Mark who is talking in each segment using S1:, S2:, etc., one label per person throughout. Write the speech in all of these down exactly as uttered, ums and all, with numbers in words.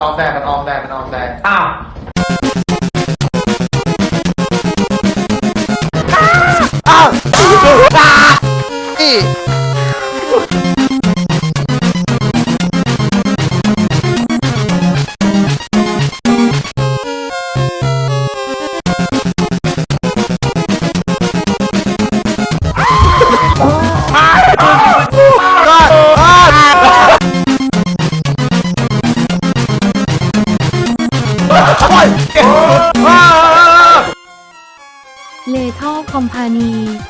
S1: ออมแดงมันออมแดงมันออมแดง
S2: อ้าว
S3: อ้าวตานี่
S4: เลท่อคอมพานี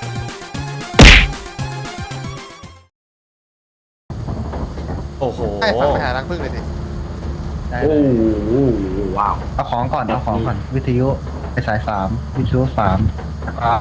S2: โอ้โห
S3: ให้ฝังไปหารังผึ้งเลยดิ
S5: ได้
S2: โอ้
S5: เลย
S2: โหว้าว
S5: เอาของก่อนเอาของก่อนวิทยุไปสายสามวิทยุสามแล้วก็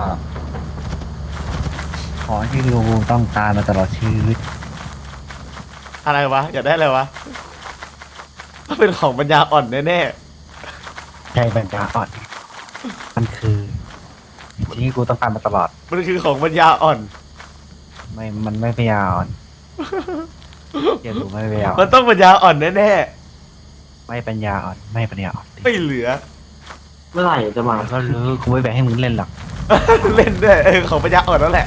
S5: ของที่ลุงต้องการมาตลอดชีวิต
S2: อะไรวะอยากได้อะไรวะก็เป็นของปัญญาอ่อนแน่
S5: ใจปัญญาอ่อนมันคือสิ่งที่กูต้องการมาตลอด
S2: ๆมันคือของปัญญาอ่อน
S5: ไม่มันไม่ปัญญาอ่อนเดี๋ยวดูไม่ปัญญาอ่
S2: มั
S5: อน น
S2: ต้องปัญญาอ่อนแน่
S5: ไม่ปัญญาอ่อนไม่ปัญญาอ่อน
S2: ๆไม่เหลือ
S6: เมื่อไหร่จะมา
S5: มันก็รู้กูไม่แบ่งให้มึงเล่นหรอก
S2: เล่นด้วยเออของปัญญาอ่อนนั่นแหละ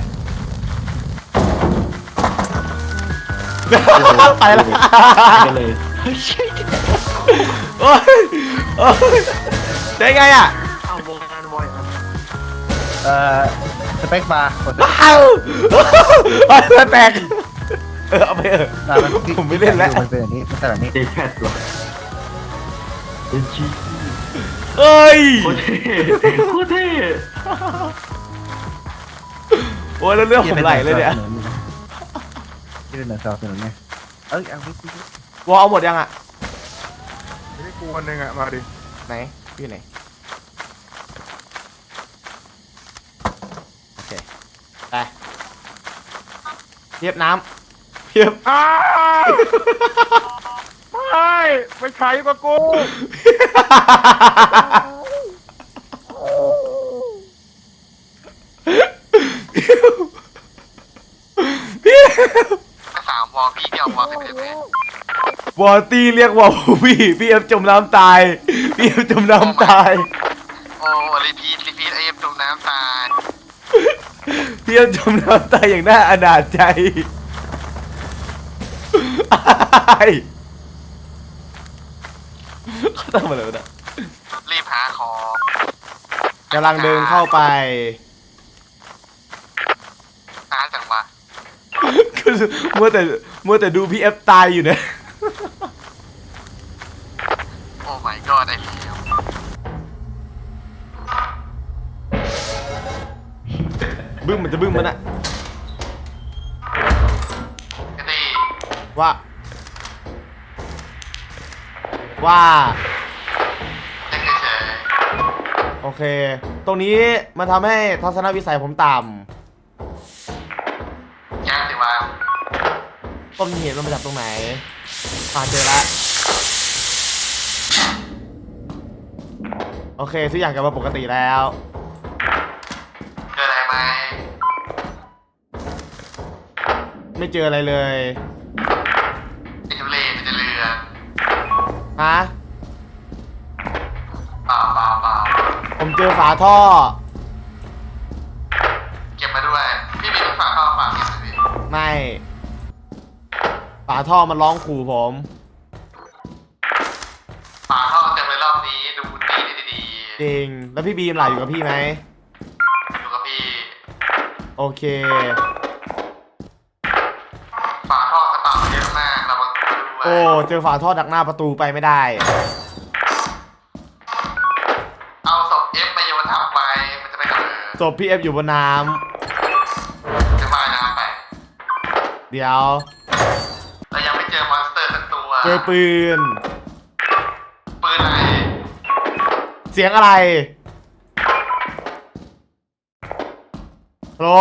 S2: ไปแล้ว
S6: กันเลย
S2: โอ้ยโอ้ยได้ไงอ่ะ
S6: เอาวงการบอยอ่ะ
S5: เอ่อสเปคบาร์กด
S2: ว้าวเอาแตกเออเอาไปเออ
S5: อ่ะมัน
S2: ผมไม่เล่นแล้ว
S5: มันเป็นแบบนี้มันเป็นแบบนี้
S6: เดแคทเหรอเดนชี
S2: เอ้ย
S6: โคตรเท่โคตรเท่
S2: โอ้ยแล้วเรื่องผมไหลเลยเนี่ย
S5: ที่เป็นหนังสนับสนุนไงเอ้ยเอาวิทยุ
S2: วอลเอาหมดยังอ่ะ
S3: ไม่ได้กูคนหนึ่งอ่ะมาดิ
S2: ไหนอยู่ไหนโอเคไปเทียบน้ำเทียบ
S3: อ้าวไม่ไม่ใช่กับกูสามวอลพี่เดียววอลสิบเอ็ดเลยว
S2: อลตี้เรียกวอลพี่พี่เอฟจมน้ำตายพี่เอฟจมน้ำตาย
S3: โอ้รีพีทรีพีทไอเอ็มจมน้ำตาย
S2: พี่เอฟจมน้ำตายอย่างน่าอนาจใจเขาทำอะไรวะเนี่ย
S3: รีบหาของ
S2: กำลังเดินเข้าไป
S3: หาจังวะ
S2: คือมัวแต่มัวแต่ดูพี่เอฟตายอยู่เนี่ย
S3: โอ้ my god ไอ้เหลว
S2: บึ้มมันจะบึ้มมันอะ
S3: ไอ้ตี
S2: ว่า ว่า
S3: เล่นเฉย
S2: โอเค ตรงนี้มันทำให้ทัศนวิสัยผมต่
S3: ๆยากสิวะ
S2: ำต้นเหตุมันมาจากตรงไหนอ่าเจอละโอเคทุกอย่างกลับมาปกติแล้ว
S3: เจออะไรไหม
S2: ไม่เจออะไรเลย
S3: ไอ้ทุเรศมันจะเรือ
S2: ฮะ
S3: เปล่าเปล่าเปล่า
S2: ผมเจอฝาท่อ
S3: เก็บมาด้วย พี่มีฝาเข้าฝาเก็บเลยพี่
S2: ไม่ ฝาท่อมันร้องขู่ผม
S3: ฝาท่อเต็มเลยรอบนี้ดูดีดีดี
S2: จริง แล้วพี่บีมล่ะอยู่กับพี่ไหม
S3: อยู่กับพี่
S2: โอเค
S3: ฝาท่อสตาร์ทเยอะมากเรามาดูด้วย
S2: โอ้ เจอฝาท่อดักหน้าประตูไปไม่ได้
S3: เอาศพเอฟมาโยนทับไว้มันจะไม่กระเบิด
S2: ศพพี่เอฟอยู่บนน้
S3: จะว่ายน้ำไป
S2: ำ เดี๋ยว
S3: เรายังไม่เจอมอนสเตอร์สักตัว
S2: เจอปืน
S3: ปืนไหน
S2: เสียงอะไรฮัลโหล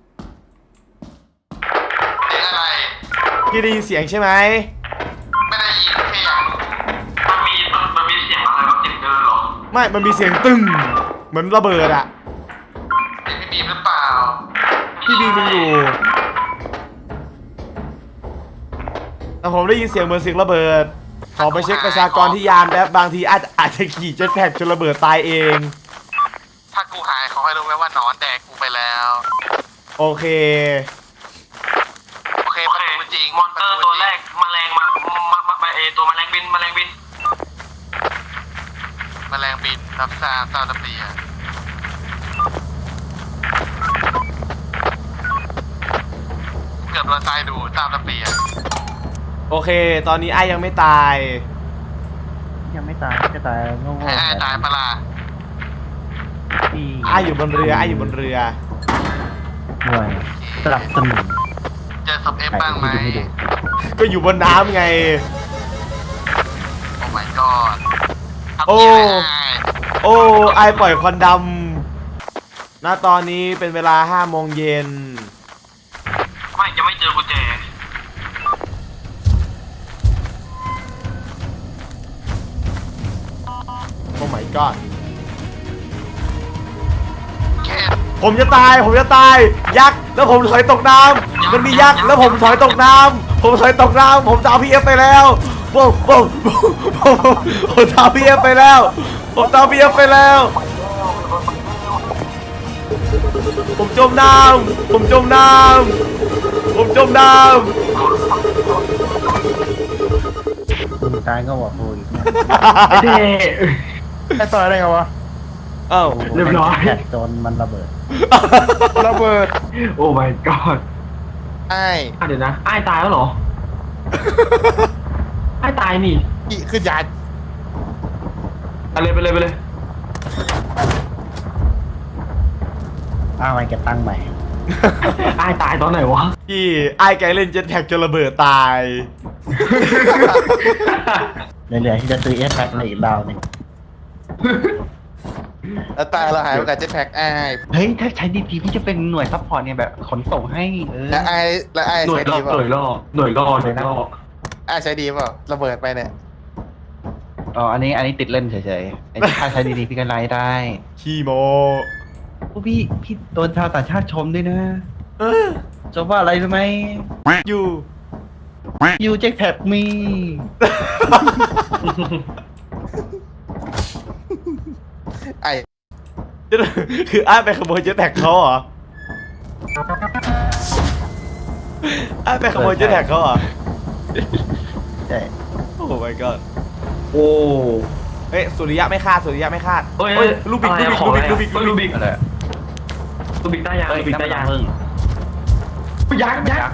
S3: เสียงอะไร
S2: พี่ได้ยินเสียงใช่ไหม
S3: ไม่ได้ยินแค่อยากรู้มันมีมันมันมีเสียงอะไรวะเสียงเดินหรอ
S2: ไม่ มันมีเสียงตึ้งเหมือนระเบิดอะ
S3: เสียงพี่บีมหรือเปล่า
S2: พี่บีมยังอยู่ แต่ผมได้ยินเสียงเหมือนเสียงระเบิดขอไปเช็คประชากรที่ยานแป๊บบางทีอาจอาจจะขี่เจ็ตแพ็กจนระเบิดตายเอง
S3: ถ้ากูหายเขาให้รู้ไหมว่าหนอนแดกกูไปแล้ว
S2: โอเค
S3: โอเคประตูจริงมอนเตอร์ตัวแรกแมลงมามามามาเอตัวแมลงบินแมลงบินแมลงบินรับทราบทราบระเบียบเกือบโดนตายดูทราบระเบียบ
S2: โอเค ตอนนี้ไอ้ยังไม่ตาย
S5: ยังไม่ตายจะตายโง่ๆ
S3: ให้ไอ้ตายปะล่ะ
S5: ที่
S2: ไอ้อยู่บนเรือไอ้อยู่บนเรือ
S5: หน่วยสลับสนุน
S3: เจอศพเอฟบ้างไหม
S5: ให้ดู
S2: ก็อยู่บนน้ำไง
S3: โอ้ my god
S2: โอ้ โอ้ไอปล่อยควันดำณตอนนี้เป็นเวลาห้าโมงเย็น
S3: ไม่จะไม่เจอกุญแจ
S2: โอ้ my god
S3: แค่
S2: ผมจะตาย ผมจะตาย ยักษ์ แล้วผมถอยตกน้ำ มันมียักษ์ แล้วผมถอยตกน้ำ ผมถอยตกน้ำ ผมตามพี่เอฟไปแล้วผมผมผมผมผมตามพี่เอฟไปแล้ว ผมตามพี่เอฟไปแล้ว ผมจมน้ำ ผมจมน้ำ ผมจมน้ำ
S5: มึงตายก็บอกกูอีกเนี่ย
S6: ไอ้เด้
S1: ไอ้ต่อยได้ไงวะ
S2: เอ้า
S6: เรียบร้อย
S5: แท็กโดนมันระเบิด
S1: ระเบิด
S6: โอ้ my god
S1: ไอ้
S6: อ่ะเดี๋ยวนะไอ้ตายแล้วเหรอ ไอ้ตายนี่
S1: อีคือยา
S6: ไปเลยไปเลยไปเลย
S5: อ้าวมันเก็บตังค์ใหม่
S6: ไอ้ตายตอนไหนวะ
S2: พี่ไอ้แกเล่นเจ็ตแพ็กจนระเบิดตาย
S5: เหลือๆที่จะซื้อเอสแพ็คในอีกดาวหนึง
S1: แล้วตายเราหายไปกับเจ็ตแพ็กไอ้
S5: เฮ้ย ถ้าใช้ดีๆพี่จะเป็นหน่วยซัพพอร์ตเนี่ยแบบขนส่งให้เออ
S1: แล้วไอ้แล้วไอ้
S6: หน่วย
S1: ใช้
S6: รอ
S1: ดี
S6: บ
S1: เปล่า
S6: หน่วยรอบหน่วยรอบหน่วยรอบ
S1: ไอ้ใช้ดีเปล่าระเบิดไปเนี่ย
S5: อ๋อ อันนี้อันนี้ติดเล่นเฉยๆไอ้ถ้าใช้ดีๆพี่ก็ไลฟ์ได้
S2: ขี้โม
S5: โอ้พี่พี่โดนชาวต่างชาติชมด้วยนะ
S2: เออ
S5: ชมว่าอะไรรู้ไหม
S2: อยู่
S5: ยูเจ็คแพ็คมี
S1: ไอ้
S2: คืออ้ายไปขโมยเจ็ตแพ็กเขาเหรออ้ายไปขโมยเจ็ตแพ็กเขาเหรอ
S5: ใช่
S2: โอ้ my god
S6: โอ้
S2: เฮ้ยสุริยะไม่คาดสุริยะไม่คาด
S6: เฮ้ย
S2: เฮ้ยลูกบิก
S6: อะไร
S2: ลูกบิก
S6: อะ
S2: ลูกบิก
S6: ของ
S2: ลูก
S6: อะไร
S2: บิก
S6: อะ
S2: ลูกบิก
S6: ลูกบิก
S5: อะไร
S6: ลูกบิกตายางลูกบิกตายาง
S5: เพิ่ง
S6: ยักษ์ยักษ์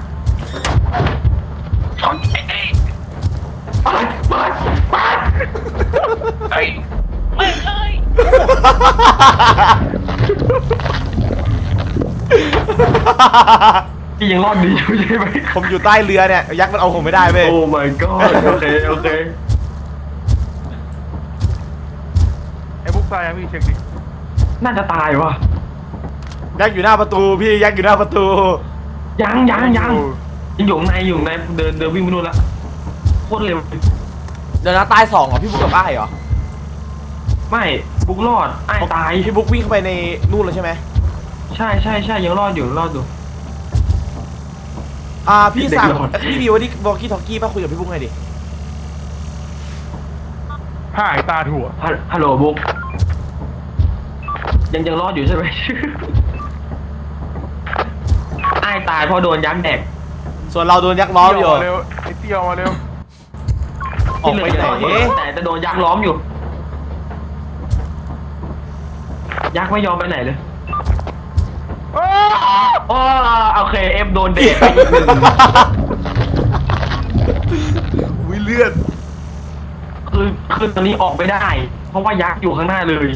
S6: ถอนเอ้ยไปไปไปไอ้ไม่เคย พี่ยังรอดดีอยู่ใช่ไหม
S2: ผมอยู่ใต้เรือเนี่ยยักษ์มันเอาผมไม่ได้เว้ย
S6: โอ้ my god โอเคโอเค
S1: ไอ้บุ๊กตายยังพี่เช็คดิ
S6: น่าจะตายวะ
S2: ยักษ์อยู่หน้าประตูพี่ยักษ์อยู่หน้าประตู
S6: ยังยังยังยังอยู่ข้างในอยู่ข้างในเดินเดินวิ่งไปนู่นละโคตรเร็ว
S2: เดี๋ยวนะตายสองเหรอพี่บุ๊กกับอ้ายเหรอ
S6: ไม่บุ๊กรอดไอ้ตาย
S2: พี่บุ๊กวิ่งเข้าไปในนู่นแล้วใช่ไหม
S6: ใช่ใช่ใช่ยังรอดอยู่รอดอยู่
S2: อ่าพี่สั่ง
S6: เด็กรอด
S2: พี่บิวที่บอกกี้ทอกกี้มาคุยกับพี่บุ๊กหน่อยดิ
S1: หายตาถั่ว
S6: ฮัลฮัลโหลบุ๊กยังยังรอดอยู่ใช่ไหม ไอ้ตายเพราะโดนยักษ์แดก
S2: ส่วนเราโดนยักษ์ล้อมอยู่
S1: เร็วไอ้เตี้ยวมาเร็ว
S2: ออกไปไหน
S6: ที่เลืแต่จะโดนยักษ์ล้อมอยู่ ยักษ์ไม่ยอมไปไหนเลยโอ้โอเคเอฟโดนเด็กไปอีกหนึ่ง
S2: วิเลือด
S6: คือคือตอนนี้ออกไม่ได้ เพราะว่ายักษ์อยู่ข้างหน้าเลย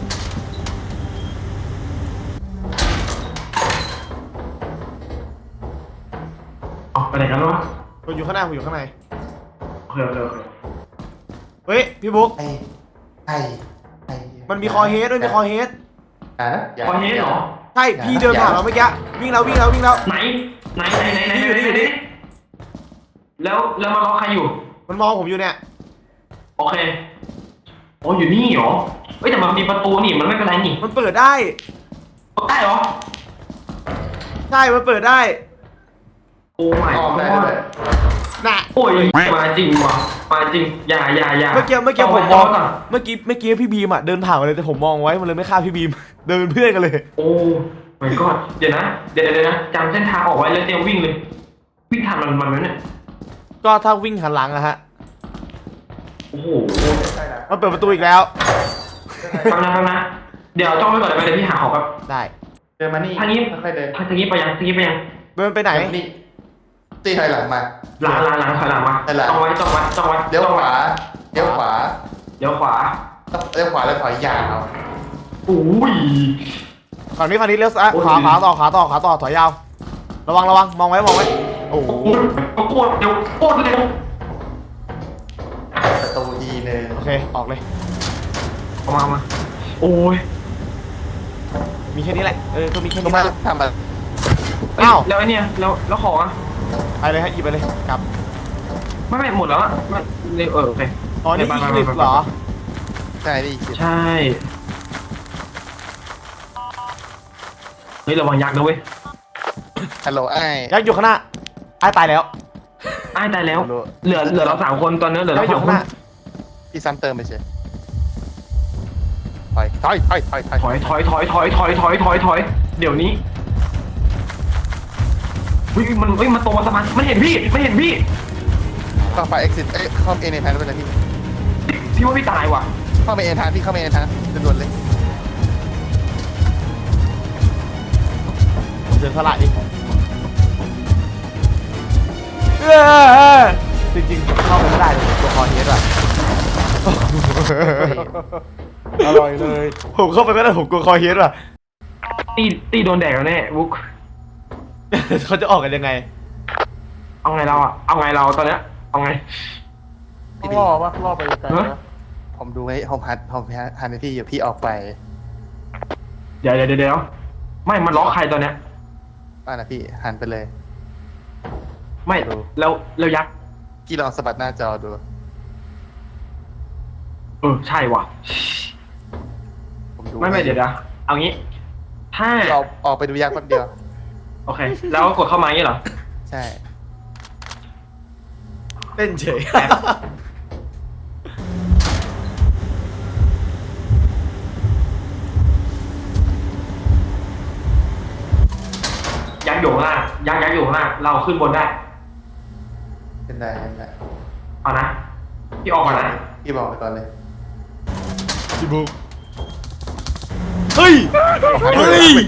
S6: ออกไปไหนกันวะ
S2: ผมอยู่ข้างหน้าผมอยู่ข้างใน
S6: โอเคโอเคโอเค
S2: เฮ้ยพี่บุ๊ก
S1: ไอ้ไอ้ไอ้
S2: มันมีคอเฮดด้วยมีคอเฮด
S1: อ่ะ
S6: ตอนนี้เหรอ
S2: ใช่พี่เดินผ่านเราเมื่อกี้วิ่งแล้ววิ่งแล้ววิ่งแล้ว
S6: ไหนไหนไหนไหนไหน
S2: นี่อยู่นี่อยู่นี่
S6: แล้วแล้วมาล็อกใครอยู่
S2: มันมองผมอยู่เนี่ย
S6: โอเคโอ้อยู่นี่เหรอเฮ้ยแต่มันมีประตูนี่มันไม่เป็นไรนี่
S2: มันเปิดได้
S6: ได้เหรอ
S2: ใช่มันเปิดได้
S6: โอ้ไม่
S1: ออกได้ด้วย
S2: น่ะ
S6: โอ้ยมาจริงว่ะมาจริงอย่าอย่าอย่า
S2: เมื่อกี้เมื่อกี้
S6: ต้
S2: ผม
S6: ไว้
S2: มอง
S6: ต้ไว้ก่น
S2: เมื่อกี้เมื่อกี้พี่บีมอ่ะเดินผ่านมาเลยแต่ผมมองไว้มันเลยไม่ฆ่าพี่บีม เดินเป็นเพื่อนกันเลย
S6: โอ้ไม่ก็เดี๋ยวนะเดี๋ยวเดี๋ยวนะจำเส้นทางออกไว้แล้วเตรียมวิ่งเลยวิ่งทันมันมันไหมเนี่ย
S2: ก็ถ้าวิ่งหันหลังอะฮะ
S6: โอ้โห
S2: มันเปิดประตูอีกแล้ว
S6: ทำนะทำนะเดี๋ยวจ้องไว้ก่อนเลยเดี๋ยวพี่หาของครับ
S2: ได้
S1: เดินมานี่
S6: ทางนี้
S1: ค่อยๆเดิน
S6: ทางนี้ไปยังทางนี้ไปยัง
S2: เดินไปไหน
S1: เดินมานี่ตีถอยหลังมา
S6: หลังหลังหลังถอยหลังมา
S1: ถอยหลัง
S6: จ้องไว้จ้องไว้จ้องไว้
S1: เลี้ยวขวาเลี้ยวขวา
S6: เดี๋ยวขวา
S1: เลี้ยวขวาแล้วถอยยาว
S6: อุ้ย
S2: ฝั่งนี้ฝั่งนี้เลี้ยวซ้าย
S6: โอ้ย
S2: ขวาขวาต่อขวาต่อขวาต่อถอยยาว ระวังระวังมองไว้มองไว้ โอ้โห
S6: โอ้โหโคตรเร็วโคตรเร็ว
S1: ประตูอีหนึ่ง
S2: โอเคออกเลย
S6: เอามาเอามาโอ้ย
S2: มีแค่นี้แหละ เออก็มีแค่
S1: ล
S2: นี้
S1: งมา
S2: แหละ
S1: ทำอะไร
S6: เอ้ย
S2: อ้าว
S6: แล้วไอ้เนี่ยแล้วแล้วของอ่ะ
S2: ไปเลยฮะหยิบไปเลยกลับ
S6: ไม่ไม่หมดแล้วอ่ะไม่เร็วเออโอเค
S2: อ๋อนี่
S6: ไป
S2: อี
S6: ไป
S2: ค
S6: ไป
S2: ลิป
S6: ไป
S2: เหรอ
S1: ใช่ดิคิด
S6: ใช่เฮ้ยระวังยักษ์นะเว้ย
S1: ฮัลโหลไอ้
S2: ยักษ์อยู่ข้างหน้าไอ้ายตายแล้ว
S6: อ้ายตายแล้ว เหลือเหลือเราสามคนตอนนี้เหลือ
S2: ยัก
S6: เรา
S2: ษ์อยู่
S6: สอง
S2: ข้าง
S6: ค
S2: ห
S6: น
S2: น้า
S1: พี่ซ้ำเติมไปเฉยถอยถอยถอยถอยถอย
S6: ถอยถอยถอยถอยถอยถอยถอยถอยเดี๋ยวนี้เฮ้ยมันเฮ้ยมันตรงมาสมันมันเห็นพี่มันเห็นพี่
S1: เข้าไป exit เอ้ยเข้าเอเนทานไปเลยพี่
S6: พี่ว่าพี่ตายว่ะ
S1: เข้าไปเอเนทานพี่เข้าไปเอเนทานด่วนๆเลย
S2: ผมเดินสละดิเออจริงๆเข้าไปไม่ได้เลยตัวคอเฮดอะ
S1: อร่อยเลย
S2: ผมเข้าไปไม่ได้ผมกลัวคอเฮดอะ
S6: ตีตีโดนแดกแล้วแน่บุ๊ก
S2: เขาจะออกกันยังไง
S6: เอาไงเราอ่ะเอาไงเราตอนเนี้ยเอาไง
S1: พี่ล่อปะล่อไปไกล
S6: ฮะ
S1: ปะผมดูให้ผมหัดผมหันในพี่อยู่พี่ออกไป
S6: เดี๋ยวเดี๋ยวเดี๋ยวไม่มันล็อกใครตอนเนี้ย
S1: ป้านะพี่หันไปเลย
S6: ไม่แล้วแล้วยักษ์
S1: พี่ลองสะบัดหน้าจอดู
S6: เออใช่ว่ะ
S1: ผมดู
S6: ไม่ไม่เดี๋ยวนะเอางี้ ถ้า
S1: พี่ออกออกไปดูยากแป๊บเดียว
S6: โอเค แล้วกดเข้ามาอย่างนี้เหรอ
S1: ใช่
S2: เต้นเฉย
S6: ยักษ์อยู่ข้างล่างยักษ์ยักษ์อยู่ข้างล่างเราขึ้นบนได้
S1: เป็นได้เป็นได้
S6: เอานะพี่ออกก่อนนะ
S1: พี่บอกไปก่อนเลย
S2: พี่บุ๊กเฮ้ย เฮ้ย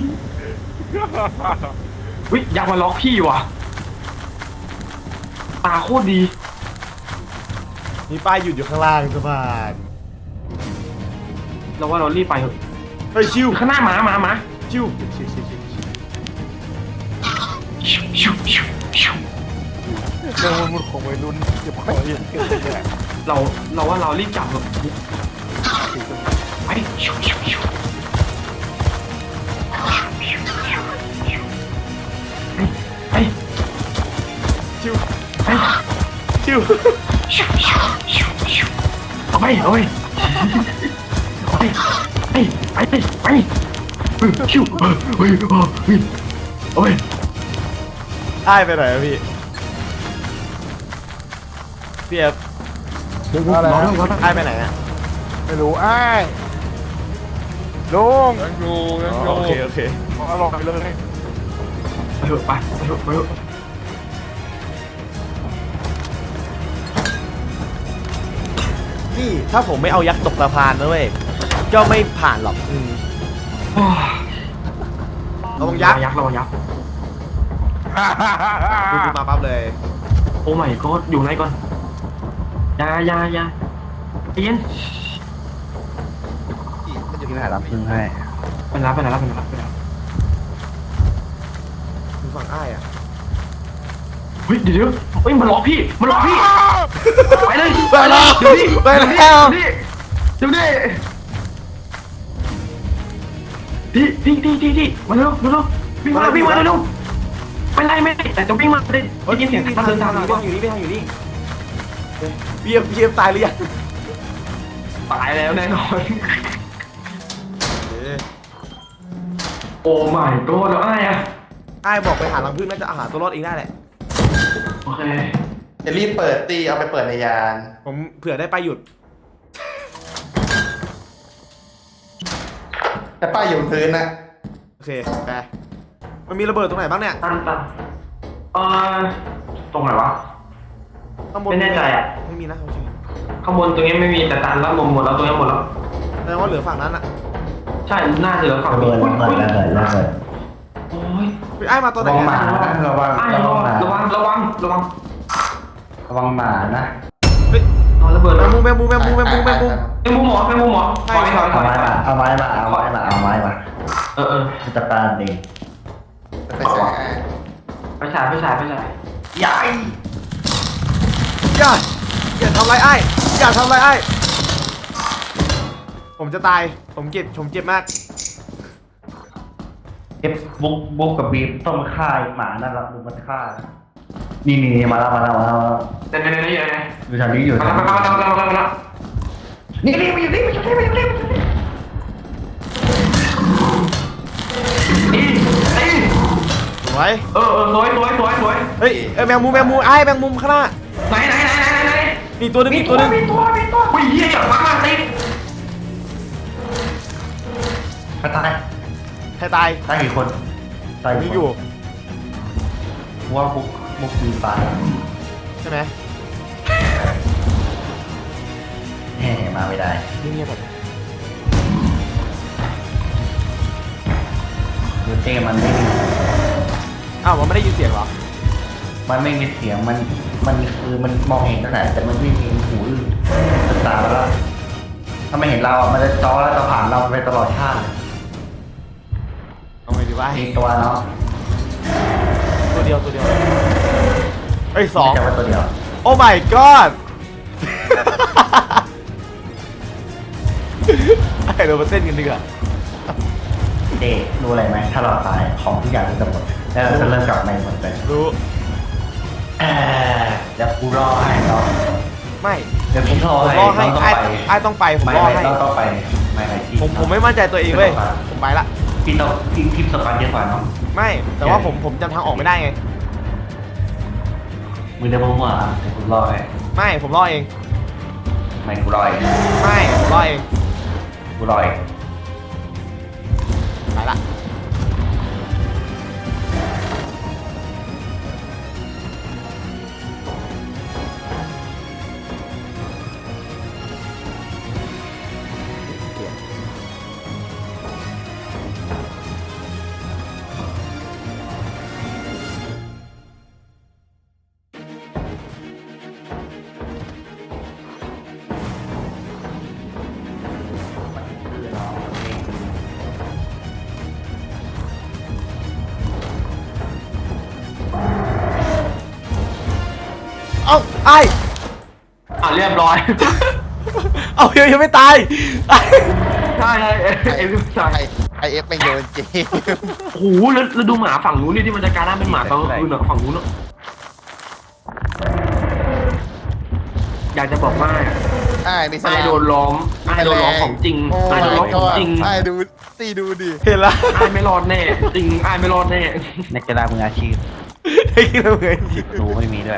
S6: วิยักษ์มาล็อกพี่ว่ะตาโคตรดี
S2: มีป้ายหยุดอยู่ข้างล่างสะพาน
S6: เราว่าเรารีบไปเถอะ
S2: เฮ้ยชิว
S6: ข้างหน้าหมาหมาหมา
S2: ชิว
S6: ชิวชิวชิวชิว
S1: เรื่องมันของวัยรุ่นเก็บของเยอะเกินไป
S6: เราเราว่าเรารีบจับเถอะไปชิวชิวชิวไป
S2: ชิว
S6: ไป
S2: ชิว
S6: ชิวชิวชิวชิวเอาไปเอาไปเอาไปไปไปไปไปเฮ้ยชิวเฮ้ยเฮ้ยเฮ้ยเอาไป
S2: อ้ายไปไหนอะพี่พี่เอฟ
S1: อะไร
S6: น้อง
S1: นะ
S6: น้อง
S2: อ้ายไปไหนอะ
S1: ไม่รู้อ้ายลุงยังอยู่ยังอยู่
S2: โอเคโอเค
S1: อร่อยเลย
S6: ไปเถอะไปไปเถอะไปเถอะ
S2: นี่ถ้าผมไม่เอายักษ์ตกสะพานนะเว้ยก็ไม่ผ่านหรอกอืมระวังยักษ์
S6: ยักษ์ระวังยักษ์
S2: ดูกูมาปั๊บเลย
S6: โอ้ไม่ก็อยู่ไหนก่อนยายายาเย็น
S1: มันอยู่
S5: พี่
S1: ที่ไหน
S5: หา
S1: ล่ะ
S5: ลำพึ่งให้
S6: ไปรับไปรับไปรับไปรับ
S2: ดูฝั่งอ้ายอะ
S6: เฮ้ยเดี๋ยวเดี๋ยวเฮ้ยมันล็อกพี่มันล็อกพี่ไปเลย
S2: ไปแล้ว
S6: เดี๋ยวนี้
S2: ไปแล้ว
S6: เดี๋ยวนี้เดี๋ยวนี้พี่พี่พี่พี่พี่มาเร็วเร็วเร็ววิ่งมาวิ่งมาเร็วเร็วเป็นไรไม่แต่จะวิ่งมาได้ได้ยินเสียง
S2: ทา
S6: ทาง ง
S2: เดิ
S6: เดิ
S2: น
S6: น
S2: ทา
S6: ทาง ง
S2: อยู่
S6: ก็
S2: นี่อยู่นี่ไปทางอยู่นี่พี่เอฟพี่เอฟตายหรือยัง
S6: ตายแล้วแน่นอนโอ้ my god แล้วไอ้อะ
S2: อ้ายบอกไปหารังผึ้งน่าจะอาหารตัวรอดเองได้แหละ
S6: โอเค
S7: จะรีบเปิดตีเอาไปเปิดในยาน
S2: ผมเผื่อได้ไปหยุด
S7: แต่ป้ายอยู่บนพื้นนะ
S2: โอเคไปมันมีระเบิดตรงไหนบ้างเนี่ย
S6: ตันตันเออตรงไหนวะ
S2: ข้างบน
S6: ไม่แน่ใจอะ
S2: ไม่มีนะโอเค
S6: ข้างบนตรงนี้ไม่มีแต่ตันแล้วหมดหมดแล้วตรงนี้หมดแล้ว
S2: แสดงว่าเหลือฝั่งนั้นอะ
S6: ใช่น่าจะเหลือฝั่ง
S5: ระ
S6: นี้
S5: เบิดระเบิดระเบิดระเบิด
S6: โอ้ย
S2: ไปไอ้มาตัวไหน
S5: ระวังห
S2: อะ
S5: มานะระวัง
S6: ไอ้
S5: ระ
S6: ระ
S5: วังหมา
S6: วังระวังระวัง
S5: ระวังหมานะ
S2: เฮ้ย
S6: เอาระเบิด
S2: แม
S6: แล้ว
S2: งมุมแมงมุมแมงมุมแมงมุมแมงมุม
S6: ไอ้มุมหมอไอ้มุมหมอ
S2: ใช่
S6: ถอยถอยถ
S5: เอา
S6: อย
S5: ไม้มาเอาไม้มาเอาไม้มาเอาไม้มา
S6: เออเออ
S5: จะจัดการเอง
S7: ไปใส่ให้
S6: ไปฉายไปฉายไปฉาย
S5: ใหญ่
S2: อย่าอย่าทำไรไอ้อย่าทำไรไอ้ผมจะตายผมเจ็บผมเจ็บมาก
S5: เอฟบุกบุกกับบีมต้องมาฆ่าไอ้หมานั่นละดูมันฆ่านี่นี่นี่มาแล้วมาแล้วมาแล้วมาแล้ว
S6: เดี๋ยวเดี๋ยวเดี๋ยวเดี๋ยว
S5: อยู่แถวนี้อยู่
S6: มา
S5: แถว
S6: แล้ว
S5: นี้
S6: มาแล้วมาแล้วมาแล้วมาแล้ว
S5: นี่นี่มาอยู่นี่มาอยู่นี่มาอยู่นี่มาอยู่นี่
S6: นี่นี่
S2: สวย
S6: เออเออสวยสวยสวยสวย
S2: เฮ้ยเอ้ยแมงมุมแมงมุมไอ้แมงมุมข้างหน้า
S6: ไหนไหนไหนไหนไหน
S2: มีตัวหนึงมีตัวหนึง
S6: มีตัวมีตัวอุ้ยเหี้ยจับมามาติด
S5: ไปตาย
S2: ใครตาย
S5: ตายกี่คนตาย
S2: มี
S5: กี่คน
S2: อยู่
S5: ว่าบุกบุกบีมตายแล้ว
S2: ใช่ไหม
S5: แห่มาไม่ได้
S2: เงียบๆแบบ
S5: คือเต้มันไม่มี
S2: อ้าวมันไม่ได้ยินเสียงเหรอ
S5: มันไม่มีเสียงมันมันคือมันมองเห็นตั้งแต่แต่มันไม่มีหูอื่นตาแล้วถ้าไม่เห็นเราอ่ะมันจะจ้อแล้วจะผ่านเราไปตลอดชาติ
S2: เอาไงดีวะ
S5: มีตัวเนาะ
S2: ตัวเดียวตัวเดียวเอ้ยสอง
S5: ไม่ใช่ว่าตัวเดียว
S2: โอ้ my god ไอ้เรามาเต้นกันดีกว่า
S5: เด็รู้อะไรไหมถ้าเราตายของทุกอย่างจะหมดแล้วเราจะเริ่มกลับมาหมดเลย
S2: รู้
S5: เออเดี๋ยวกูรอให้เนาะ
S2: ไม่
S5: เดี๋ยวผมรอ
S2: ผม
S5: ให้
S2: รอให้
S5: ต้อง
S2: ไอ้
S5: ไป
S2: ไอ้ต้องไปผม
S5: ไม่
S2: รอ
S5: ไม่
S2: ให้
S5: ต้องต้องไปไม่ไม่ที่
S2: ผมผมไม่มั่นใจตัวเองเว้ยผมไปละ
S5: พี่ต้องพี่ทิปสปันเยอะกว่าเนาะ
S2: ไม่แต่ว่าผมผมจำทางออกไม่ได้ไง
S5: มือเดียวมั่วๆเดี๋ยวกูรอให้
S2: ไม่ผมรอเอง
S5: ไม่กูรอเอง
S2: ไม่ผมรอเอง
S5: กูรอเอง
S2: ไปละเอ้าไอ้
S6: อ่ะเรียบร้อย
S2: เอายังยังไม่ตายไอ้
S6: ใช่ใช่เอ้ยเอ้ยใช่
S1: ไอไอเอฟไม่โยนจริง
S6: โอ้โหแล้วแล้วดูหมาฝั่งนู้นนี่ที่มันจะกลายร่างเป็นหมาตอนกลางคืนเหรอฝั่งนู้นเนอะอยากจะบอกว่า
S1: ไอ้นี่ส
S6: ไอ้
S1: ลาม
S6: โดนล้อมไอ้โดนล้อมของจริง
S1: โอ้
S6: ไอ้โดนล้อมของจริง
S1: ไอ้ดูตีดูดิ
S2: เห็นละ
S6: ไอ้ไม่รอดแน่จริงไอ้ไม่รอดแน่
S5: นักกีฬามืออาชีพ
S2: ได้กินแล้วเหมือนจริง
S5: รู้ไม่มีด้วย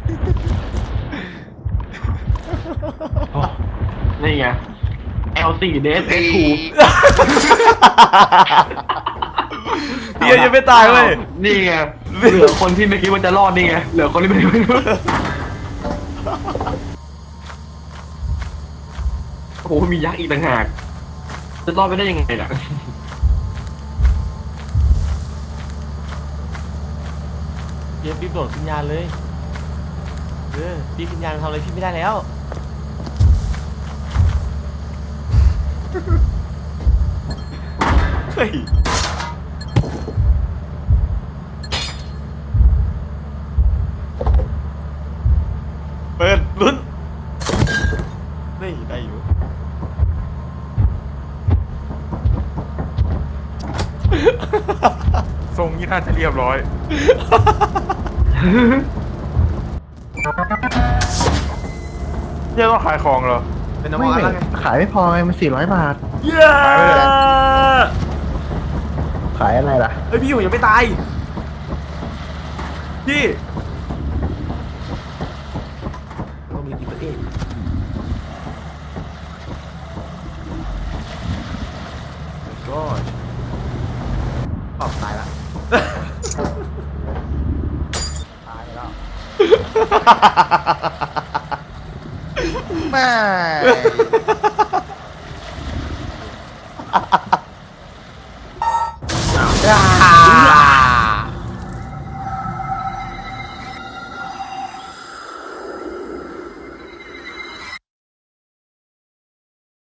S6: นี่ไง แอล สี่ เดส เอส ทู
S2: พี่ยังไม่ตายเว้ย
S6: นี่ไงเหลือคนที่ไม่คิดว่าจะรอดนี่ไงเหลือคนที่ไม่คิดว่าโอ้โหมียักษ์อีกต่างหากจะรอดไปได้ยังไงล่ะ
S2: เดี๋ยวพี่โดดขึ้นยานเลยเออพี่ขึ้นยานทำอะไรพี่ไม่ได้แล้วเฮ้ยเปิดลุ้นนี่ได้อยู่
S1: ทรงนี้น่าจะเรียบร้อยเนี่ยต้องขายของเหรอ
S2: เป็นน้ำมันแล้วไง
S5: ขายไม่พอไงมันสี่ร้อยบาท
S2: เย้
S1: ขายไปเลย
S5: ขายอะไรล่ะ
S2: เฮ้ยพี่อยู่ยังไม่ตายพี่
S1: ตายไปแล้วแม่